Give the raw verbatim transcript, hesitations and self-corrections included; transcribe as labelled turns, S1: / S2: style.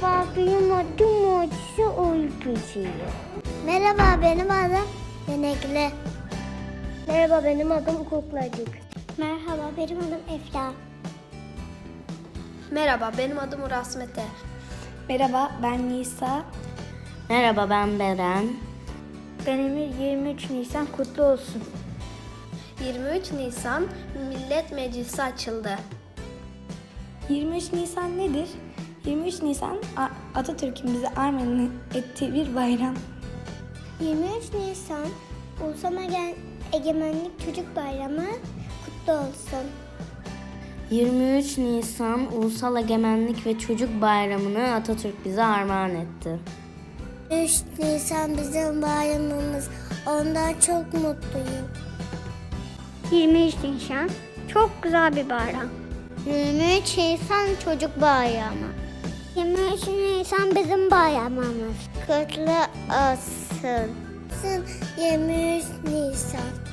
S1: Merhaba, benim adım Mucize Uykusu'yu. Merhaba, benim adım Denekli. Merhaba, benim adım Kuklacık. Merhaba, benim adım Efla.
S2: Merhaba, benim adım Uras Mete.
S3: Merhaba, ben Nisa.
S4: Merhaba, ben Beren.
S1: Ben Emir. yirmi üç Nisan kutlu olsun.
S2: yirmi üç Nisan Millet Meclisi açıldı.
S3: yirmi üç Nisan nedir? yirmi üç Nisan Atatürk'ün bize armağan ettiği bir bayram.
S1: yirmi üç Nisan Ulusal Egemenlik Çocuk Bayramı kutlu olsun.
S4: yirmi üç Nisan Ulusal Egemenlik ve Çocuk Bayramı'nı Atatürk bize armağan etti.
S1: üç Nisan bizim bayramımız. Ondan çok mutluyum. yirmi üç Nisan çok güzel bir bayram. yirmi üç Nisan çocuk bayramı. yirmi üç Nisan bizim bayramımız. Kutlu olsun. yirmi üç Nisan.